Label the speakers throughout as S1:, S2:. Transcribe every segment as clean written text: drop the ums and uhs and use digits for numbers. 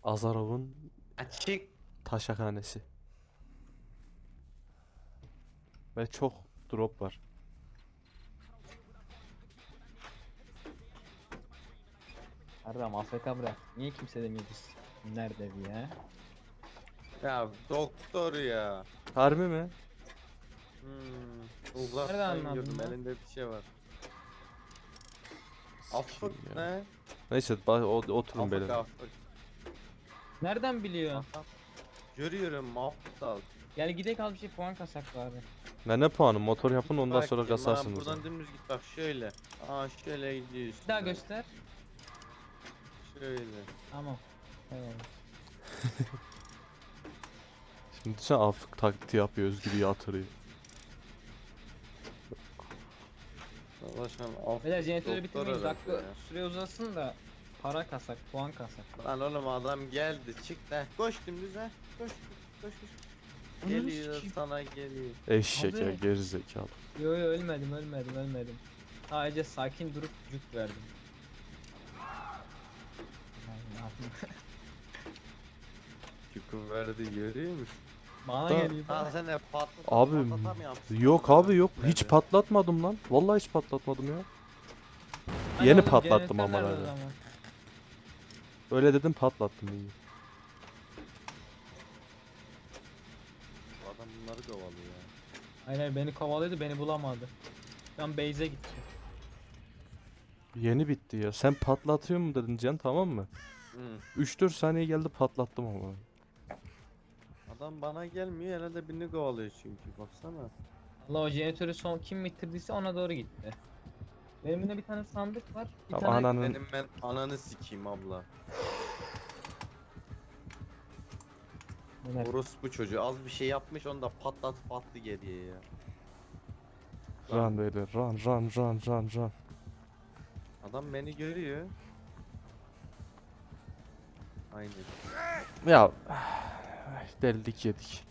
S1: Azarov'un
S2: Açık.
S1: taşakhanesi. Ve çok drop var.
S3: Erdem AFK bırak. Niye kimse demiyor biz? Nerede bir ya?
S2: Ya doktor ya.
S1: Harbi mi?
S3: Nereden
S2: Uzaktan
S3: anladın
S2: gördüm
S3: lan?
S2: elinde bir şey var.
S1: Sikeyim
S2: Afık
S1: ya.
S2: ne?
S1: Neyse oturun
S2: Afık
S1: beyler.
S2: afık.
S3: Nereden biliyor?
S2: Aha. Görüyorum aptal.
S3: Gel gidelim al bir şey puan kasak bari.
S1: Ne puanı? Motor yapın ondan
S2: Bak
S1: sonra
S2: şimdi,
S1: kasarsınız.
S2: buradan dümdüz git bak şöyle. Aa şöyle gidiyorsun.
S3: Bir daha göster.
S2: Şöyle.
S3: Tamam. Evet.
S1: Şimdi sen afık taklidi yapıyor, Özgür'ü yatırıyor.
S2: Savaşan afık.
S3: Beyler jeneratörü
S2: doktor
S3: bitirmeyin.
S2: herhalde
S3: Dakika
S2: ya.
S3: süre uzasın da para kasak, puan kasak.
S2: Lan oğlum adam geldi çık da. Koş dümdüz ha. Koş koş koş.
S3: Ananı
S2: Geliyor
S3: sikeyim.
S2: sana geliyor.
S1: Eşek ya,
S3: Abi.
S1: gerizekalı.
S3: Yo ölmedim. Sadece sakin durup cuk verdim. Ay, ne yapayım?
S2: Çukur verdi görüyor musun?
S3: Bana
S1: Da-
S3: geliyor.
S2: Ha sen de
S1: Abi,
S2: patlatamıyorsun.
S1: Yok abi yok. Hiç
S2: Nerede?
S1: patlatmadım lan. Vallahi hiç patlatmadım ya.
S3: Hani
S1: Yeni
S3: oğlum,
S1: patlattım
S3: jeneratör
S1: ama
S3: nerede o
S1: herhalde.
S3: zaman?
S1: Öyle dedim patlattım iyi.
S2: Bu adam bunları kovalıyor ya.
S3: Aynen beni kovalıyordu beni bulamadı. Ben base'e gittim.
S1: Yeni bitti ya. Sen patlatıyor mu dedin Can, tamam mı?
S2: Hı.
S1: 3-4 saniye geldi patlattım ama.
S2: Adam bana gelmiyor herhalde birini kovalıyor çünkü baksana.
S3: Allah o jeneratörü son kim bitirdiyse ona doğru gitti. Benim yine bir tane sandık var. Bir
S1: Ya
S3: tane
S1: ananın
S2: Benim ben ananı sikeyim abla.
S3: Ömer,
S2: Orospu çocuğu az bir şey yapmış onu da patlatıp attı geriye ya.
S1: run beyler, run.
S2: Adam beni görüyor. Aynen.
S1: Ya deldik yedik.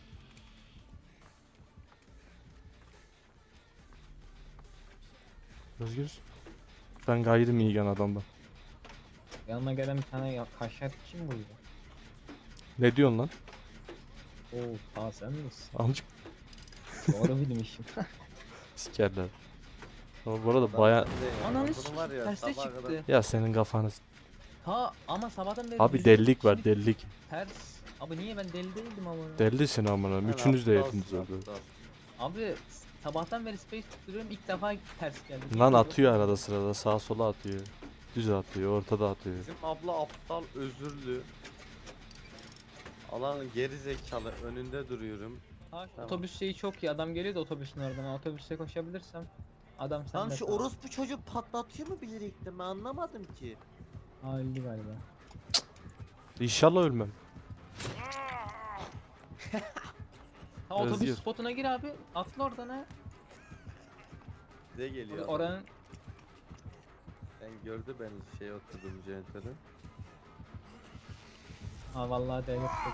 S1: Özgür. Ben gayrim iyi adamdan.
S3: yanına gelen bir tane kaşar kim buydu?
S1: Ne diyorsun lan?
S3: Oo ta sen misin?
S1: Amcık
S3: Doğru bilmişim.
S1: sikerler. Ama bu arada
S2: Adam
S1: baya...
S2: bende ya.
S3: Ananı
S2: Bunu
S3: sikeyim,
S2: var ya,
S3: terste
S2: sabaha
S3: çıktı.
S2: kadar-
S1: Ya senin kafanı...
S3: Ha ama sabahtan beri
S1: Abi
S3: yüzüm
S1: delilik var,
S3: şimdi
S1: delilik.
S3: Ters. Abi niye ben deli değildim ama.
S1: Delisin amına.
S2: Sen
S1: Üçünüz de
S2: aptalsın,
S1: yediniz öldü.
S2: aptal.
S3: Abi sabahtan beri space tutturuyorum ilk defa ters geldi.
S1: Lan
S3: Yok.
S1: atıyor arada sırada, sağa sola atıyor. Düz atıyor, ortada atıyor.
S2: Bizim abla aptal özürlü. Alanın geri zekalı önünde duruyorum.
S3: Ha,
S2: Tamam.
S3: otobüs şeyi çok iyi adam geliyor da otobüsün oradan. Ben otobüse koşabilirsem adam
S2: Lan
S3: sende.
S2: şu orospu çocuk patlatıyor mu bilerekten ben anlamadım ki.
S3: Ha öldü galiba.
S1: İnşallah ölmem.
S3: Ha otobüs
S1: Özgür.
S3: spotuna gir abi. Atla oradan ha.
S2: Size geliyor adam.
S3: Oranın
S2: Ben gördü beni şey oturdum jeneratöre.
S3: ha vallahi devlet çok.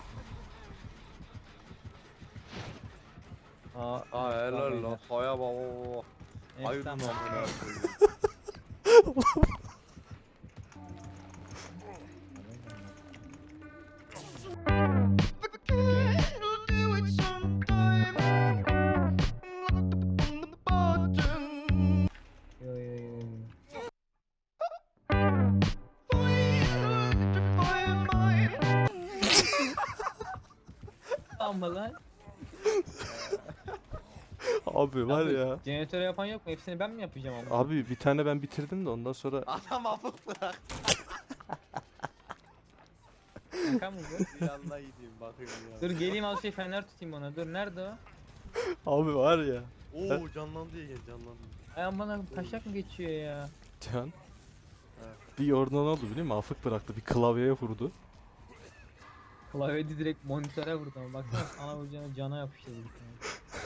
S2: Aa helal lan. Haya baba. Hayır lan
S3: Tamam.
S2: amına koyayım.
S3: Yo yo yo yo. Ama lan.
S1: Abi var
S3: Abi,
S1: ya.
S3: Jeneratörü yapan yok mu? Hepsini ben mi yapacağım ama?
S1: Abi bir tane ben bitirdim de ondan sonra...
S2: Adam afık bırak.
S3: Şaka mı bu?
S2: Bir yanına gideyim bakayım ya.
S3: Dur geleyim al şey fener tutayım ona. Dur nerede o?
S1: Abi var ya.
S2: Oo canlandı ya canlandı.
S3: Ay aman taşak mı geçiyor ya?
S1: Can.
S2: Evet.
S1: Bir orada ne oldu biliyor musun? Afık bıraktı. Bir klavyeye vurdu.
S3: Klavyede direkt monitöre vurdu ama baksana sana vuracağına cana yapıştırdı bir tane.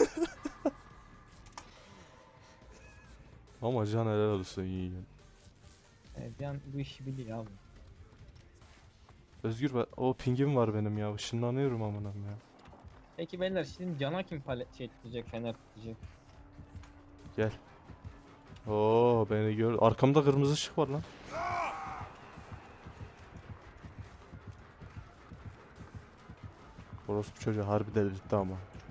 S1: Ama Can helal olsun iyi.
S3: Evet yan bu işi biliyor abi.
S1: Özgür o pingim var benim ya. Işınlanıyorum amınam ya.
S3: Peki beyler şimdi cana kim palet şey tutacak fener tutacak?
S1: Gel. Oo beni gör. Arkamda kırmızı ışık var lan. Orospu çocuğu harbi delirtti ama.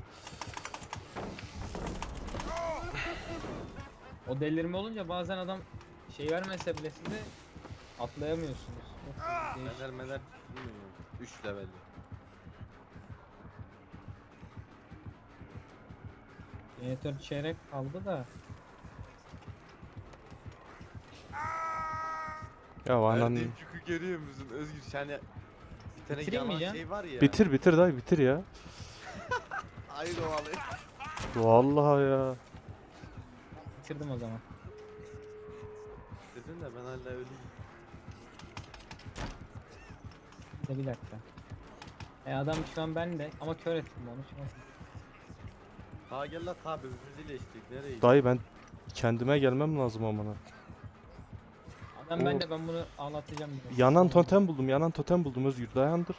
S3: O delirme olunca bazen adam şey vermese bile size atlayamıyorsunuz. Çok değişik.
S2: Meler bilmiyorum. 3 level.
S3: Jeneratör çeyrek kaldı da.
S1: Ya anan
S2: Verdiğim yükü görüyor musun Özgür? Yani bir tane
S3: Bitireyim mi
S2: yalan
S3: ya?
S2: şey var ya.
S1: bitir bitir dayı bitir ya.
S2: Hayır o alayım.
S1: Vallahi ya.
S3: Bitirdim o zaman.
S2: Dedin de ben hala öleyim.
S3: Bir dakika. Adam şu an bende ama kör ettim onu şu an.
S2: Ha gel la tabi birbirimizi iyileştirdik. Nereye gidiyor?
S1: Dayı ben kendime gelmem lazım amına.
S3: Adam
S1: O-
S3: bende, ben bunu ağlatacağım biraz.
S1: Yanan totem buldum, yanan totem buldum Özgür dayandır.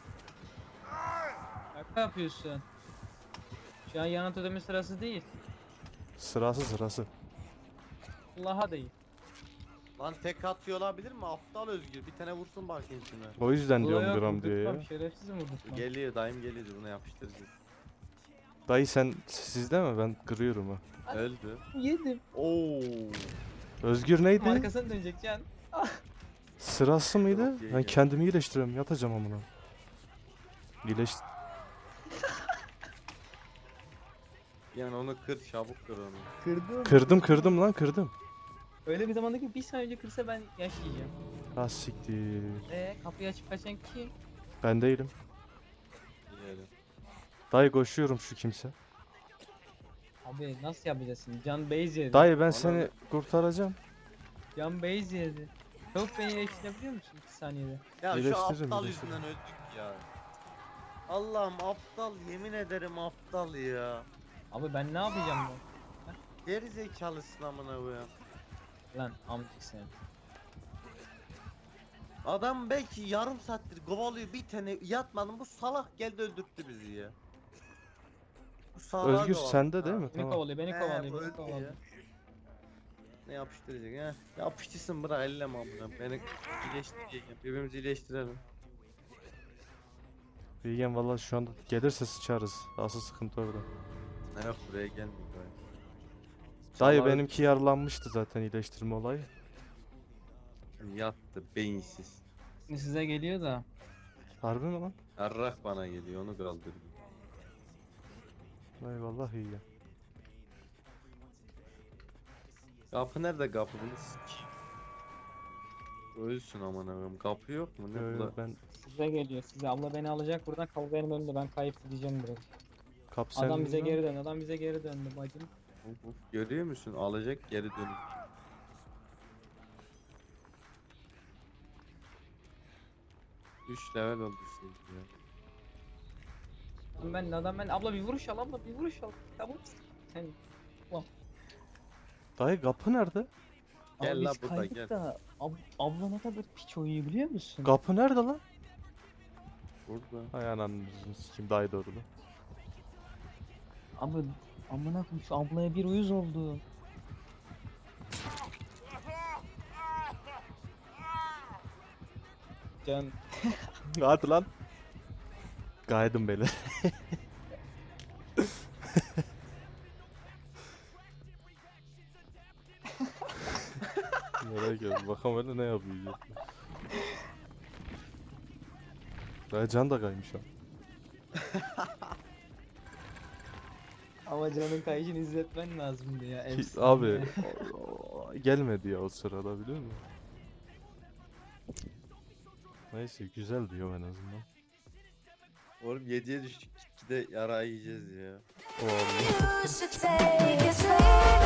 S3: Şaka yapıyorsun. Şu an yanan totemin sırası değil.
S1: Sırası.
S3: Allah'a değil.
S2: Lan tek atıyor olabilir mi? Aptal Özgür. Bir tane vursun bakayım şuna.
S1: O yüzden
S3: Ulan
S1: diyorum
S3: yok,
S1: gram diyor ya.
S3: vurdurtmam, şerefsizim vurdurtmam.
S2: Geliyor dayım geliyor buna yapıştıracağız.
S1: Dayı sen sizde mi? Ben kırıyorum ha.
S2: Öldü.
S3: Yedim.
S2: Oo.
S1: Özgür neydi?
S3: Arkasına dönecek can.
S1: Sırası mıydı?
S2: Yok, iyi
S1: Ben
S2: ya.
S1: kendimi iyileştiriyorum. Yatacağım amına. İyileş.
S2: Yani onu kır çabuk kır onu.
S3: Kırdım.
S1: Kırdım.
S3: Öyle bir zamanda ki bir saniye önce kırsa ben yaşayacağım.
S1: Ha siktir.
S3: Kapıyı açıp kaçan kim?
S1: Ben değilim.
S2: Diyelim.
S1: Dayı koşuyorum şu kimse.
S3: Abi nasıl yapacaksın? Can base yedi.
S1: Dayı ben
S2: Bana
S1: seni
S2: ne?
S1: kurtaracağım.
S3: Can base yedi. Çok beni iyileştirebiliyor musun 2 saniyede?
S2: Ya şu
S1: İyileştiririm,
S2: aptal
S1: iyileştiririm.
S2: yüzünden öldük ya. Allah'ım aptal yemin ederim aptal ya.
S3: Abi ben ne yapacağım ben?
S2: Geri zekalısın amına koyayım.
S3: Lan amcık sen.
S2: Adam belki yarım saattir kovalıyor bir tane yatmadım bu salak geldi öldürttü bizi ya. Bu salağı
S1: Özgür
S2: kovalıyor.
S1: sende değil
S2: Ha.
S1: mi?
S3: Beni
S1: Tamam.
S3: kovalıyor, beni
S2: He,
S3: kovalıyor,
S2: bu
S3: beni
S2: öldü
S3: kovalıyor.
S2: ya. Ne yapıştıracak ha? Yapıştırsın bırak elleme amına. Beni iyileştireceğim. Birbirimizi iyileştirelim.
S1: Bilgen valla şu anda gelirse sıçarız. Asıl sıkıntı orada.
S2: Ne yok buraya gelmiyor.
S1: Dayı
S2: Salağı
S1: benimki yaralanmıştı zaten iyileştirme olayı.
S2: yattı beyinsiz.
S3: Şimdi size geliyor da.
S1: Harbi mi lan?
S2: Arrak bana geliyor onu kaldırdım.
S1: Dayı vallahi iyi ya.
S2: Kapı nerede kapı bunu sikeyim. Ölsün aman ağam kapı yok mu ne
S1: Yo,
S2: bu
S1: yo,
S2: da?
S1: ben
S3: Size geliyor. Size abla beni alacak buradan, kavga benim önümde, ben kayıp gideceğim biraz.
S1: kap
S3: Adam bize
S1: sen
S3: geri döndü. Adam bize geri döndü bacım.
S2: Uf, uf, görüyor musun alacak geri dönüp. Üç level oldu şimdi ya.
S3: Adam ben abla bir vuruş al, abla bir vuruş al. Tamam. Sen
S1: Dayı kapı nerede?
S2: Gel
S3: Abi
S2: la
S3: biz
S2: burada,
S3: kaydık
S2: gel.
S3: da abla ne kadar piç oynuyor biliyor musun?
S1: Kapı nerede lan?
S2: Burada.
S1: Hay ananı sikim dayı doğru lan.
S3: Abi amına koyayım şu ablaya bir uyuz oldu. Can
S1: Hadi lan. Gaydım beni. Merak ediyorum. Bakalım öyle ne yapıyor. Dayı can da kaymış ha.
S3: ama canın kayışını izletmen lazımdı ya. efsane.
S1: Abi gelmedi ya o sırada biliyor musun? Neyse güzel diyor en azından.
S2: Oğlum 7'ye düştük 2'de yara yiyeceğiz ya.
S1: O Allah.
S4: You should take it slow.